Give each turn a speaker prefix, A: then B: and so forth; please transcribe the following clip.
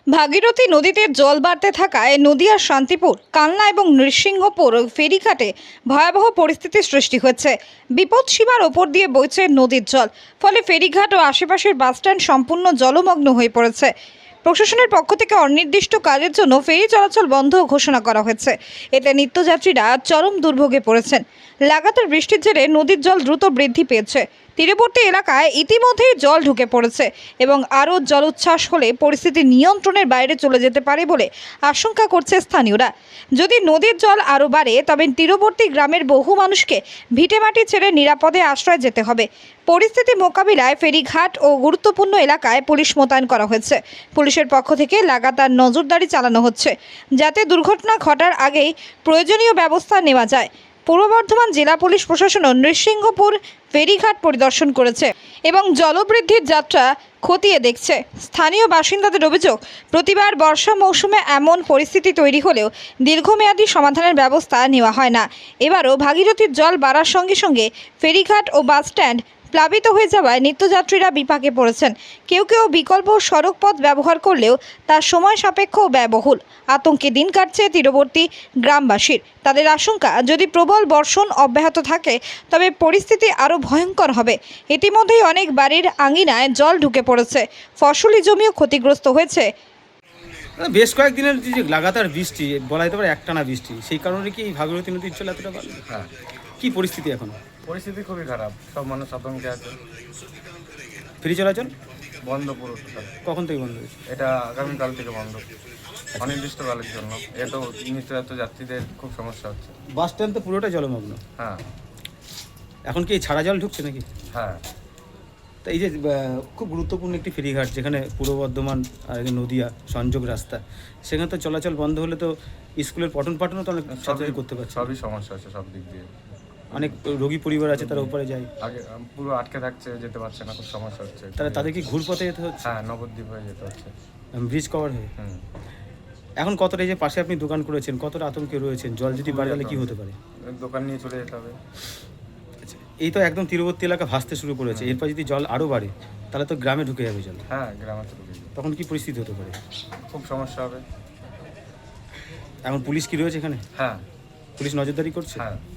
A: ভাগীরথী নদীতে জল বাড়তে থাকায় নদিয়ার শান্তিপুর, কালনা এবং নৃসিংহপুর ফেরিঘাটে ভয়াবহ পরিস্থিতির সৃষ্টি হয়েছে। বিপদ সীমার ওপর দিয়ে বইছে নদীর জল, ফলে ফেরিঘাট ও আশেপাশের বাসস্ট্যান্ড সম্পূর্ণ জলমগ্ন হয়ে পড়েছে। প্রশাসনের পক্ষ থেকে অনির্দিষ্ট কাজের জন্য ফেরি চলাচল বন্ধ ঘোষণা করা হয়েছে। এতে নিত্যযাত্রীরা চরম দুর্ভোগে পড়েছেন। লাগাতার বৃষ্টির জেরে নদীর জল দ্রুত বৃদ্ধি পেয়েছে। তীরবর্তী এলাকায় ইতিমধ্যেই জল ঢুকে পড়েছে এবং আরও জলোচ্ছ্বাস হলে পরিস্থিতি নিয়ন্ত্রণের বাইরে চলে যেতে পারে বলে আশঙ্কা করছে স্থানীয়রা। যদি নদীর জল আরও বাড়ে তবে তীরবর্তী গ্রামের বহু মানুষকে ভিটেমাটি ছেড়ে নিরাপদে আশ্রয় যেতে হবে। পরিস্থিতি মোকাবিলায় ফেরিঘাট ও গুরুত্বপূর্ণ এলাকায় পুলিশ মোতায়েন করা হয়েছে। পুলিশের পক্ষ থেকে লাগাতার নজরদারি চালানো হচ্ছে, যাতে দুর্ঘটনা ঘটার আগেই প্রয়োজনীয় ব্যবস্থা নেওয়া যায়। পূর্ব বর্ধমান জেলা পুলিশ প্রশাসনও নৃসিংহপুর ফেরিঘাট পরিদর্শন করেছে এবং জলবৃদ্ধির যাত্রা খতিয়ে দেখছে। স্থানীয় বাসিন্দাদের অভিযোগ, প্রতিবার বর্ষা মৌসুমে এমন পরিস্থিতি তৈরি হলেও দীর্ঘমেয়াদী সমাধানের ব্যবস্থা নেওয়া হয় না। এবারও ভাগীরথীর জল বাড়ার সঙ্গে সঙ্গে ফেরিঘাট ও বাসস্ট্যান্ড প্লাবিত হয়ে যাওয়ায় নিত্যযাত্রীরা বিপাকে পড়েছেন। কেউ কেউ বিকল্প সড়ক পথ ব্যবহার করলেও তার সময় সাপেক্ষ ও ব্যয়বহুল। আতঙ্কে দিন কাটছে তীরবর্তী গ্রামবাসীর। তাদের আশঙ্কা, যদি প্রবল বর্ষণ অব্যাহত থাকে তবে পরিস্থিতি আরও ভয়ঙ্কর হবে। ইতিমধ্যেই অনেক বাড়ির আঙিনায় জল ঢুকে পড়েছে, ফসলি জমিও ক্ষতিগ্রস্ত হয়েছে।
B: বেশ কয়েকদিনের যে লাগাতার বৃষ্টি, বলা যেতে পারে একটানা বৃষ্টি, সেই কারণে কি এই ভাগীরথী নদীর জল এতটা বাড়লো?
C: হ্যাঁ,
B: কি পরিস্থিতি এখন?
C: পরিস্থিতি খুবই খারাপ, সব মানুষ আতঙ্কে আছে।
B: ফেরি চলাচল
C: বন্ধ পুরো total।
B: কখন থেকে বন্ধ হয়েছে?
C: এটা আগামীকাল থেকে বন্ধ, অনির্দিষ্টকালের জন্য। এত নিত্যযাত্রী যাত্রীদের খুব সমস্যা হচ্ছে।
B: বাস স্ট্যান্ড তো পুরোটা জলমগ্ন।
C: হ্যাঁ
B: এখন কি এই ছাড়া জল ঢুকছে নাকি?
C: হ্যাঁ,
B: তা এই যে খুব গুরুত্বপূর্ণ একটি ফেরিঘাট, যেখানে পূর্ব বর্ধমান আর নদিয়া সংযোগ রাস্তা, সেখানে তো চলাচল বন্ধ হলে তো স্কুলের পঠন পাঠনও তো অনেক ছাত্রছাত্রী করতে পারছে।
C: সবই সমস্যা হচ্ছে সব দিক দিয়ে।
B: অনেক রোগী পরিবার আছে, তারা উপরে যায়,
C: আগে পুরো আটকে থাকছে, যেতে পারছে না, খুব সমস্যা হচ্ছে।
B: তাদের কি ঘুরপথে যেতে হচ্ছে?
C: হ্যাঁ, নবদ্বীপ হয়ে যেতে হচ্ছে।
B: ব্রিজ কভার হয়ে।
C: হুম,
B: এখন কতটা, এই যে পাশে আপনি দোকান করেছেন, কতটা আতঙ্কে রয়েছেন? জল যদি বাড়ে তাহলে কি হতে পারে?
C: দোকান নিয়ে চলে যেতে হবে।
B: আচ্ছা, এই তো একদম তীরবর্তী এলাকা ভাসতে শুরু করেছে, এরপর যদি জল আরও বাড়ে তাহলে তো গ্রামে ঢুকে যাবে জল।
C: হ্যাঁ, গ্রামে চলে যাবে,
B: তখন কি পরিস্থিতি হতে পারে?
C: খুব সমস্যা হবে।
B: এখন পুলিশ কি রয়েছে এখানে?
C: হ্যাঁ
B: পুলিশ নজরদারি করছে?
C: হ্যাঁ।